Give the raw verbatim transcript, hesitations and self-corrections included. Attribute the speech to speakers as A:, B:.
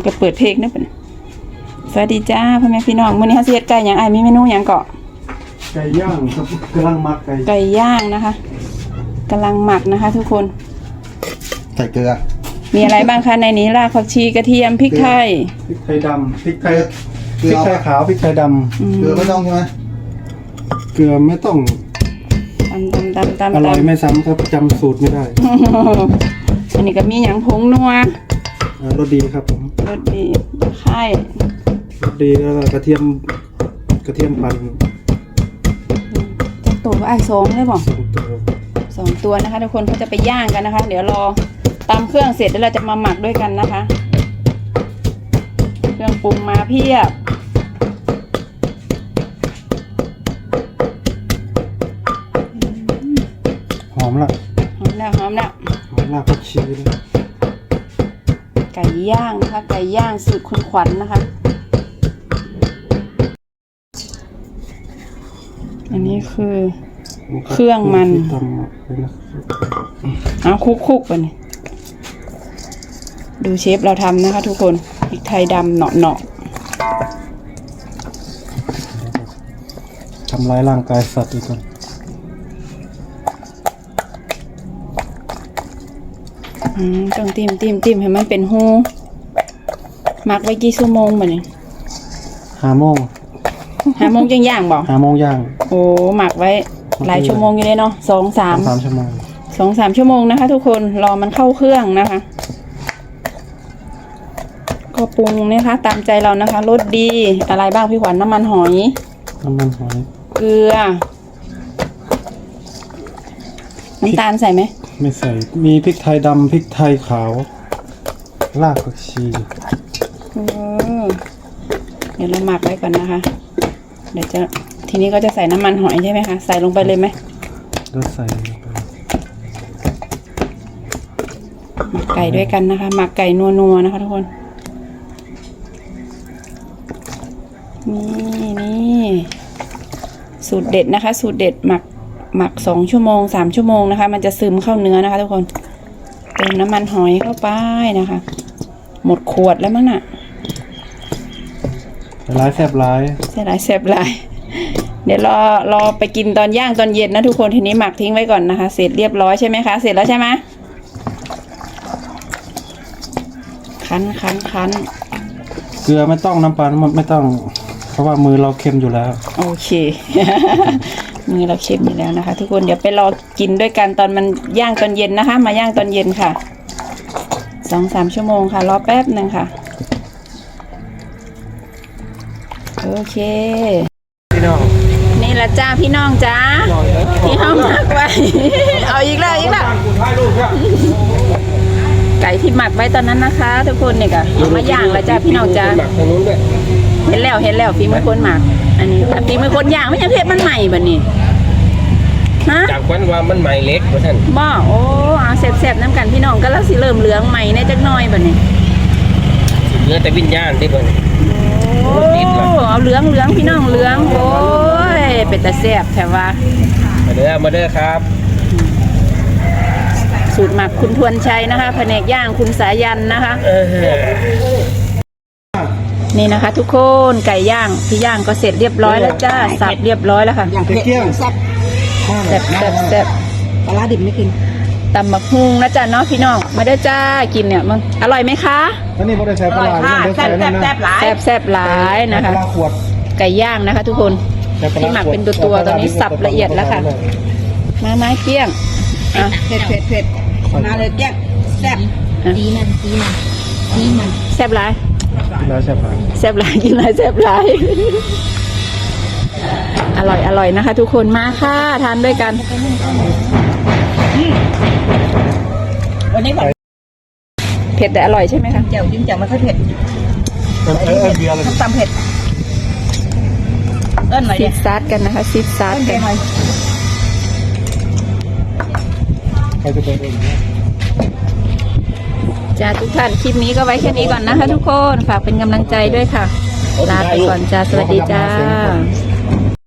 A: ก็เปิดเพลงนะเป็นสวัสดีจ้าพ่อแม่พี่น้องมื้อนี้เฮาสิเฮ็ดไก่หยังอ้ายมีเมนูหยังเกาะ
B: ไก่ย่างครับกำลังหมักไก่
A: ไก่ย่างนะคะกำลังหมักนะคะทุกคน
B: ใส่เกลือ
A: มีอะไรบ้างคะในนี้รากผักชีกระเทียมพริกไทย
B: พริกไทยดำพริกไทยพริกไทยขาวพริกไทยดำเกลือไม่ต้องใช่ไหมเกลือไม่ต้อง
A: ตำตำตำตำ
B: อร่อยไม่ซ้ำครับจำสูตรไม่ได้
A: อันนี้ก็มีหยังผงนัว
B: รสดีครับผม
A: รสดีไข่
B: รสดีแล้วกระเทียมกระเทียมปั่น
A: จะตัวไอ้สองได้บ่สองตัวนะคะทุกคนเขาจะไปย่างกันนะคะเดี๋ยวรอตำเครื่องเสร็จแล้วเราจะมาหมักด้วยกันนะคะเครื่องปรุงมาเพียบ
B: หอมละ
A: หอมแล้วหอมแล้ว
B: หอมรากผักชีเลย
A: ไก่ย่างนะคะไก่ย่างสูตรคุณขวัญ นะคะอันนี้คือเครื่องมันเอาคุกๆไปนี่ดูเชฟเราทำนะคะทุกคนพริกไทยดำเนาะ
B: ๆทำร้ายร่างกายสัตว์อีกคน
A: อืมต้องติ้มติ้มติ้มให้มันเป็นหูหมักไว้กี่ชั่วโมงบ่เนี่ย
B: ห้าโมง
A: ห้าโมงย่างย่างบอก
B: ห้าโมงย่าง
A: โอ้หมักไว้หลายชั่วโมงอยู่เลยเนาะสองสาม
B: สามชั่วโมง
A: สองสามชั่วโมงนะคะทุกคนรอมันเข้าเครื่องนะคะก็ปรุงนะคะตามใจเรานะคะรสดีอะไรบ้างพี่ขวัญน้ำมันหอย
B: น้ำมันหอย
A: เกลือน้ำตาลใส่ไหม
B: ไม่ใส่มีพริกไทยดำพริกไทยขาวรากผักชี
A: เดี๋ยวเราหมักไว้ก่อนนะคะเดี๋ยวจะทีนี้ก็จะใส่น้ำมันหอยใช่ไหมคะใส่ลงไปเลยไหม
B: ก็ใส่
A: หมักไก่ด้วยกันนะคะหมักไก่นัวๆนะคะทุกคนนี่นี่สูตรเด็ดนะคะสูตรเด็ดหมักหมักสองชั่วโมงสามชั่วโมงนะคะมันจะซึมเข้าเนื้อนะคะทุกคนเติมน้ำมันหอยเข้าไปนะคะหมดขวดแล้วมั้งน่ะ
B: ร้ายแซ่บร้าย
A: แซ่บร้ายแซ่บร้ายเดี๋ยวรอรอไปกินตอนย่างตอนเย็นนะทุกคนทีนี้หมักทิ้งไว้ก่อนนะคะเสร็จเรียบร้อยใช่ไหมคะเสร็จแล้วใช่ไหมคั้นคั้นคั้น
B: เกลือไม่ต้องน้ำปลาไม่ต้องเพราะว่ามือเราเค็มอยู่แล้ว
A: โอเค มือเราเค็มอยู่แล้วนะคะทุกคนเดี๋ยวไปรอกินด้วยกันตอนมันย่างตอนเย็นนะคะมาย่างตอนเย็นค่ะสองสามชั่วโมงค่ะรอแป๊บหนึ่งค่ะโอเค
B: พี่น้อง
A: นี่ละจ้าพี่น้องจ้าที่ห้องหมักไว้เอาอีกแล้วอีกแล้วไก่ที่หมักไว้ตอนนั้นนะคะทุกคนเนี่ยค่ะมาย่างแล้วจ้าพี่น้องจ้าเห็นแล้วเห็นแล้วฝีมือคนหมักอันนี้ฝีมือคนย่างไม่ใช่เพชรมันใหม่แบบนี้ฮะ
C: จากวันว่ามันใหม่เล็กเพราะท่าน
A: บ่โอ้อาแซ่บๆน้ำกันพี่น้องก็แล้วสิเริ่มเหลืองใหม่ในจักน้อยแบบนี้
C: เนื้อแต่วิญญาณที่คน
A: โอ้เอาเหลืองเหลืองพี่น้องเหลืองโอ้ยเป็นตาแซ่บแถวว่า
C: มาเด้อมาเด้อครับ
A: สูตรหมักคุณทวนชัยนะคะแผนกย่างคุณสายันนะคะนี่นะคะทุกคนไก่ย่างที่ย่างก็เสร็จเรียบร้อยแล้วจ้าสับเรียบร้อยแล้วค่ะ
B: อย่างเกี้ยงแซ่บ
A: แซ่บแซ่บแซ่บ
B: ปลาดิบไม่กิน
A: ตำบักฮุงนะจ้าเนาะพี่น้องมาได้จ้ากินเนี่ยมันอร่อยไหมคะ
B: อันนี้ไม่ได้ใส่ปลา
A: แซ่บแซ่บแซ่บหลายแซ่บแซ่บหลายนะคะไก่ย่างนะคะทุกคนที่หมักเป็นตัวตัวตอนนี้สับละเอียดแล้วค่ะมาไม้เกี้ยงอ่ะ
D: เผ็ดเผ็ดเผ็ดมาเลยแก้งแซ่บดีมันดีมันดีมัน
A: แซ่บหลาย
B: กินแล้วแซ่บหลาย
A: แซ่บหลายกินแล้วแซ่บหลายอร่อยอร่อยนะคะทุกคนมาค่ะทานด้วยกัน
D: วันนี้
A: เผ็ดแต่อร่อยใช่ไหมคะ
D: เจียวจิ้มเจียวมันค่อยเผ็ด
B: เออเออเบียร์เลย
D: ตำเผ็ดเอิ้นหน่อย
A: ซีดซาร์กันนะคะซีดซาร์กัน
B: ใครจะเป็นเอง
A: จ้าทุกท่านคลิปนี้ก็ไว้แค่นี้ก่อนนะคะทุกคนฝากเป็นกำลังใจด้วยค่ะลาไปก่อนจ้าสวัสดีจ้า